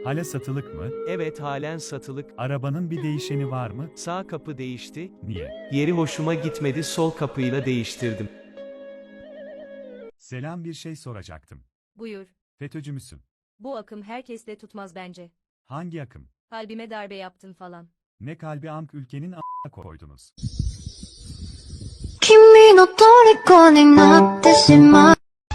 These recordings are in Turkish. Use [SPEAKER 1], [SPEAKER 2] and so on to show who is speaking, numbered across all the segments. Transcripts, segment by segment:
[SPEAKER 1] Hala satılık mı?
[SPEAKER 2] Evet, halen satılık.
[SPEAKER 1] Arabanın bir değişeni var mı?
[SPEAKER 2] Sağ kapı değişti.
[SPEAKER 1] Niye?
[SPEAKER 2] Yeri hoşuma gitmedi, sol kapıyla değiştirdim.
[SPEAKER 1] Selam, bir şey soracaktım.
[SPEAKER 3] Buyur.
[SPEAKER 1] FETÖ'cü müsün?
[SPEAKER 3] Bu akım herkesle tutmaz bence.
[SPEAKER 1] Hangi akım?
[SPEAKER 3] Kalbime darbe yaptın falan.
[SPEAKER 1] Ne kalbi ülkenin a**a koydunuz.
[SPEAKER 4] 君の虜になってしまう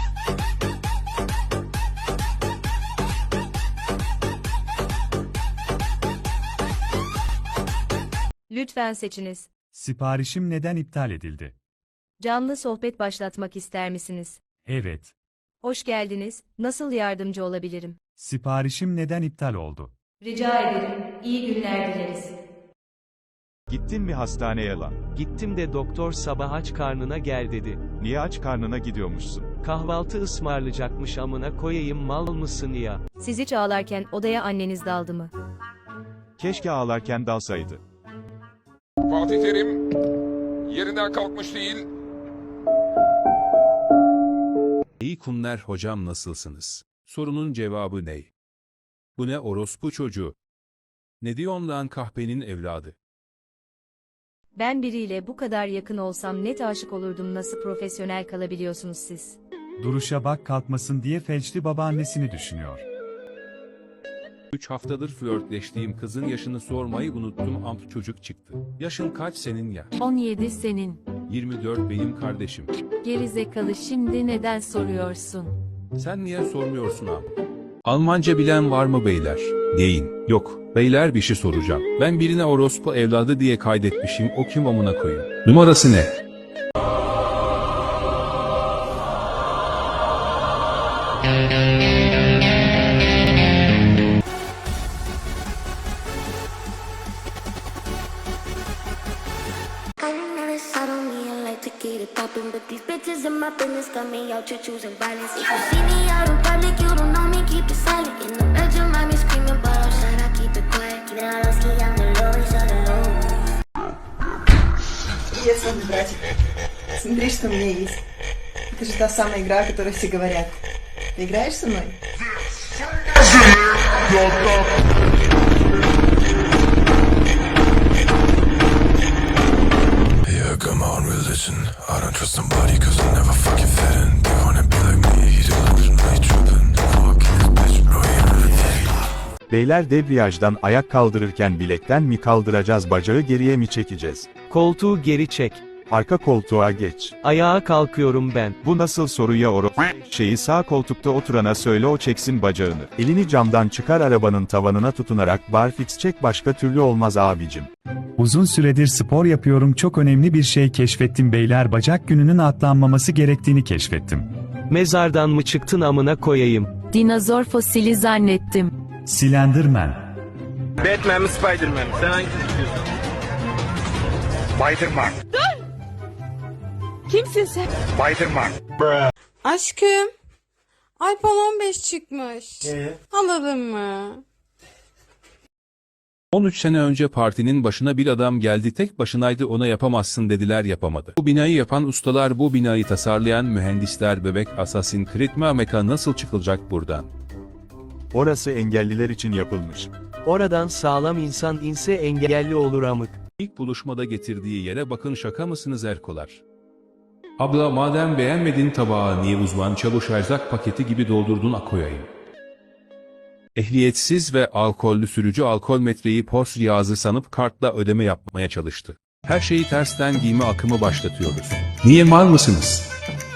[SPEAKER 3] Lütfen seçiniz.
[SPEAKER 1] Siparişim neden iptal edildi?
[SPEAKER 3] Canlı sohbet başlatmak ister misiniz?
[SPEAKER 1] Evet.
[SPEAKER 3] Hoş geldiniz. Nasıl yardımcı olabilirim?
[SPEAKER 1] Siparişim neden iptal oldu?
[SPEAKER 3] Rica ederim. İyi günler dileriz.
[SPEAKER 5] Gittin mi hastaneye lan?
[SPEAKER 2] Gittim de doktor sabah aç karnına gel dedi.
[SPEAKER 5] Niye aç karnına gidiyormuşsun?
[SPEAKER 2] Kahvaltı ısmarlayacakmış, amına koyayım, mal mısın ya?
[SPEAKER 3] Siz hiç ağlarken odaya anneniz daldı mı?
[SPEAKER 5] Keşke ağlarken dalsaydı.
[SPEAKER 6] Fatih Terim yerinden kalkmış değil.
[SPEAKER 7] İyi kunler hocam, nasılsınız? Sorunun cevabı ne? Bu ne orospu çocuğu? Ne diyorsun lan kahpenin evladı?
[SPEAKER 3] Ben biriyle bu kadar yakın olsam net aşık olurdum. Nasıl profesyonel kalabiliyorsunuz siz?
[SPEAKER 1] Duruşa bak, kalkmasın diye felçli babaannesini düşünüyor.
[SPEAKER 7] 3 haftadır flörtleştiğim kızın yaşını sormayı unuttum, amp çocuk çıktı. Yaşın kaç senin ya?
[SPEAKER 8] 17 senin.
[SPEAKER 7] 24 benim kardeşim.
[SPEAKER 8] Gerizekalı, şimdi neden soruyorsun?
[SPEAKER 7] Sen niye sormuyorsun amp? Almanca bilen var mı beyler? Deyin. Yok. Beyler, bir şey soracağım. Ben birine orospu evladı diye kaydetmişim, o kim amına koyayım? Numarası ne?
[SPEAKER 4] I never sat on me, I like to get it poppin', but these bitches in my business got me out here choosing violence. If you see me out in public, you don't know me, keep it silent. In the bedroom, I be screaming, but outside I keep it quiet. Keep it all low, ski on the low, on the low.
[SPEAKER 9] Привет, славный братик. Смотри, что у меня есть. Это же та самая игра, о которой все говорят. Ты играешь со мной?
[SPEAKER 10] Yeah, come on, religion. I don't trust somebody cause I never fucking fit in. They wanna be like me, he delusionally trippin'. Fucking this bitch, bro, you really think.
[SPEAKER 5] Beyler, debriyajdan ayak kaldırırken bilekten mi kaldıracağız, bacağı geriye mi çekeceğiz?
[SPEAKER 2] Koltuğu geri çek.
[SPEAKER 5] Arka koltuğa geç.
[SPEAKER 2] Ayağa kalkıyorum ben.
[SPEAKER 5] Bu nasıl soru ya şeyi sağ koltukta oturana söyle, o çeksin bacağını. Elini camdan çıkar, arabanın tavanına tutunarak barfix çek, başka türlü olmaz abicim.
[SPEAKER 1] Uzun süredir spor yapıyorum, çok önemli bir şey keşfettim beyler, bacak gününün atlanmaması gerektiğini keşfettim.
[SPEAKER 2] Mezardan mı çıktın amına koyayım?
[SPEAKER 8] Dinozor fosili zannettim.
[SPEAKER 1] Slenderman.
[SPEAKER 6] Batman mi Spiderman mi? Sen hangisini istiyorsun? Spiderman.
[SPEAKER 8] Kimsin sen?
[SPEAKER 6] Spiderman.
[SPEAKER 11] Aşkım, iPhone 15 çıkmış. Alalım mı?
[SPEAKER 7] 13 sene önce partinin başına bir adam geldi, tek başınaydı, ona yapamazsın dediler, yapamadı. Bu binayı yapan ustalar, bu binayı tasarlayan mühendisler, bebek Assassin's Creed mi? Meka nasıl çıkılacak buradan?
[SPEAKER 5] Orası engelliler için yapılmış.
[SPEAKER 2] Oradan sağlam insan inse engelli olur amık.
[SPEAKER 7] İlk buluşmada getirdiği yere bakın, şaka mısınız erkolar? Abla, madem beğenmedin tabağı, niye uzman çavuş erzak paketi gibi doldurdun koyayım? Ehliyetsiz ve alkollü sürücü alkol metreyi pors cihazı sanıp kartla ödeme yapmaya çalıştı. Her şeyi tersten giyme akımı başlatıyoruz. Niye, mal mısınız?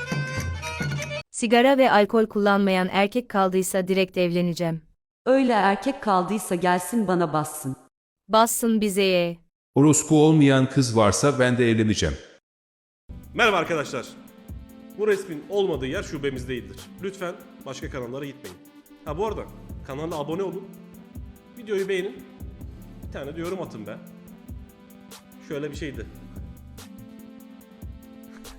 [SPEAKER 3] Sigara ve alkol kullanmayan erkek kaldıysa direkt evleneceğim.
[SPEAKER 8] Öyle erkek kaldıysa gelsin bana bassın.
[SPEAKER 3] Bassın bize ye.
[SPEAKER 7] Orospu olmayan kız varsa ben de evleneceğim.
[SPEAKER 12] Merhaba arkadaşlar. Bu resmin olmadığı yer şubemiz değildir. Lütfen başka kanallara gitmeyin. Ha, bu arada kanala abone olun. Videoyu beğenin. Bir tane de yorum atın be. Şöyle bir şeydi.